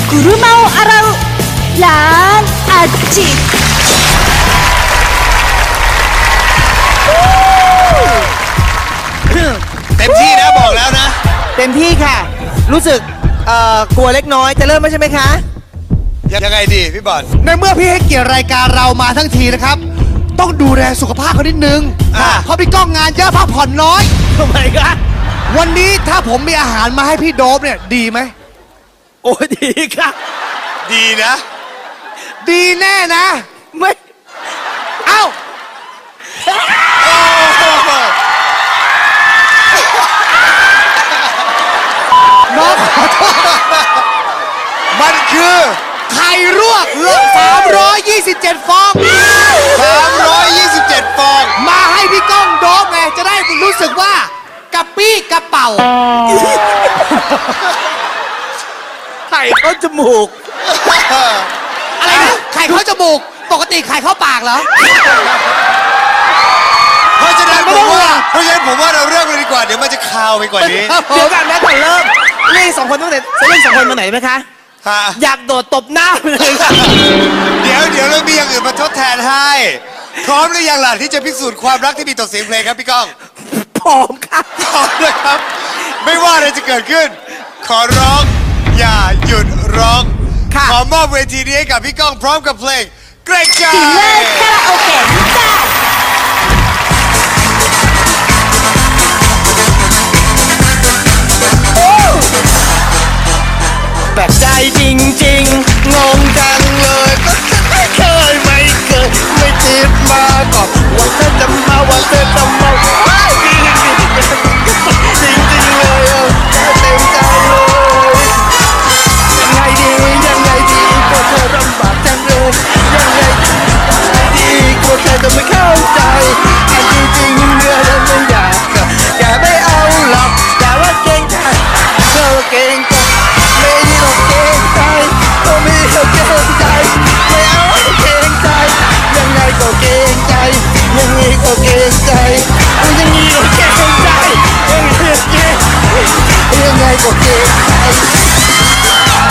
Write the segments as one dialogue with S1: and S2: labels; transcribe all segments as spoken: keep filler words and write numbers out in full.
S1: กุรุมาโออาราล้านอาจิ
S2: เต็มที่นะบอกแล้วนะ
S3: เต็มที่ค่ะ รู้สึกเอ่อกลัวเล็กน้อยจะเริ่มไม่ใช่ไหมคะ
S2: ยังไงดีพี่บอล
S4: ในเมื่อพี่ให้เกียรติรายการเรามาทั้งทีนะครับ ต้องดูแลสุขภาพเขานิดนึง
S2: อ่า
S4: เพราะพี่ก้องงานเยอะพักผ่อนน้อย
S3: ทำไมคะ
S4: วันนี้ถ้าผมมีอาหารมาให้พี่โดบเนี่ยดีไหม
S3: โอ้ดีค่ะ
S2: ดีนะ
S4: ดีแน่นะ
S3: ไม่
S4: เอ้า น้องขอโทษ
S2: มันคือ
S4: ไข่รวกสามร้อยยี่สิบเจ็ดฟอง
S2: สามร้อยยี่สิบเจ็ดฟอง
S4: มาให้พี่ก้องโดบไงจะได้รู้สึกว่ากระปี้กระเป๋า
S3: ไข่เข้าจมูก
S4: อะไรนะไข่เข้าจมูก ปกติไข่เข้าปากเหรอ
S2: เพราะฉะนั้นผมว่าเพราะฉะนั้นผมว่าเราเริ่มเลยดีกว่าเดี๋ยวมันจะคาวไปกว่านี้
S3: เดี๋ยวกันนะก่อนเริ่มเล่นสองคนตั้งแต่จะเล่นสองคนมาไหนไหมคะ
S2: ฮะ
S3: อยากโดดตบหน้าไปเลยค่ะ
S2: เดี๋ยวเดี๋ยวเรามีอย่างอื่นมาทดแทนให้ พร้อมหรือยังล่ะที่จะพิสูจน์ความรักที่มีต่อเสียงเพลงครับพี่ก้อง
S3: พร้อมค่ะ
S2: พร้อมนะครับ ไม่ว่าอะไรจะเกิดขึ้น ขอร้องอย่าหยุดร้อง
S3: ค่ะ
S2: ขอมอบเวทีนี้ให้กับพี่ก้องพร้อมกับเพลงเกรงใจ
S1: สีเลิศคาราโอเกะจ้า
S3: แบบใจจริงๆ งงจังเลยก็ฉันไม่เคยไม่เคยไม่คิดมาก่อนว่าเธอจะมาว่าเธอจะมาว้ายจริงจริงจริงจริงเลยเออเต็มใจเลยยังไงดียังไงดีก็เธอลำบากจังเลยยังไงดีก็เธอจะไม่เข้าใจอันที่จริงเนื้อแล้วไม่อยากอย่าไม่เอาหรอกอย่าว่าเกรงใจเธอเกรงใจไม่ดีหรอกเกรงใจก็ไม่เกรงใจไม่เอาเกรงใจยังไงก็เกรงใจยังไงก็เกรงใจยังไงก็เกรงใจยังไงก็เกรงยังไงก็เกรงใจ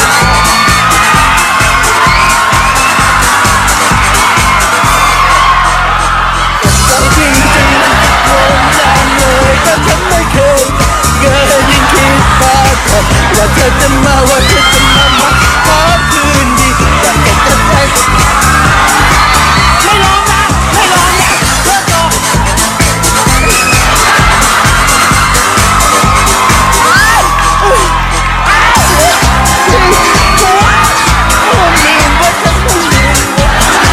S3: จริงจริงงงจังเลยก็ฉันไม่เคยเกิดยิ่งคิดมาก่อนว่าเธอจะมาว่าเธอจะมามาขอคืนดีอยากจะจะใจไม่ร้องนะไม่ร้องนะเลิกร้องผมลืมว่าฉันต้องลืมว่า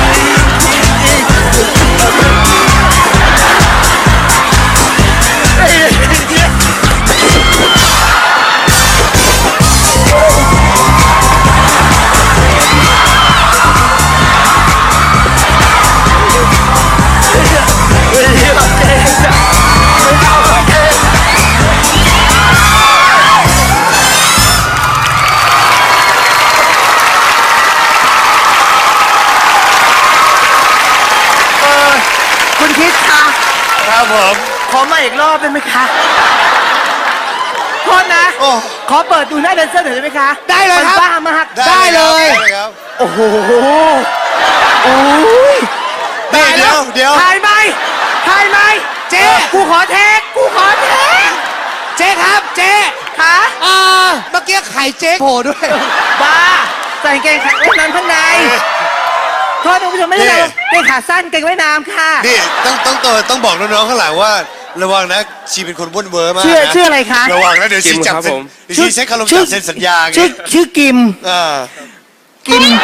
S3: คุณคิดคะ
S2: ครับผม
S3: ขอมาอีกรอบได้ไหมคะโทษนะ
S2: โอ้
S3: ขอเปิดดูหน้าแดนเซอร์หน่อยได้ไหมคะ
S4: ได้เลยครับ
S3: มันบ้ามาก
S4: ได้เลย
S2: ได้เลยครับ
S3: โอ้โหโอ้ย
S2: เดี๋ยวเดี๋ยวเดี๋ยว
S3: ถ่ายไหมถ่ายไหมเจ๊กูขอเทคกูขอเทค
S4: เจ๊ครับ เจ๊
S3: ขา
S4: อ่าเมื่อกี้ไข่เจ๊โผล่ด้วย
S3: บ้าใส่กางเกงขาว่ายน้ำข้างในโทษนะคุณผู้ชมไม่ได้เลยเกงขาสั้นเกงว่ายน้ำค่ะ
S2: นี่ต้องต้องต้องต้องบอกน้องๆข้างหลังว่า ระวังนะชีเป็นคนบ้วนเวอร์มาก
S3: ชื่อ
S2: นะ
S3: ชื่ออะไรคะ
S2: ระวังนะเดี๋ยวชีจับเซ็นเดี๋ยวชีใช้คารมจับเซ็นสัญญาไง
S3: ชื่อชื่อกิม
S2: อ่า
S3: กิม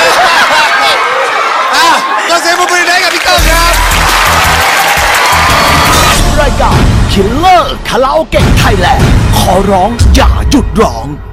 S2: อ่ะก็เซ็นบุรีได้กับพี่ก้องครับ
S5: รายการคิลเลอร์คาราโอเกะไทยแลนด์ขอร้องอย่าหยุดร้อง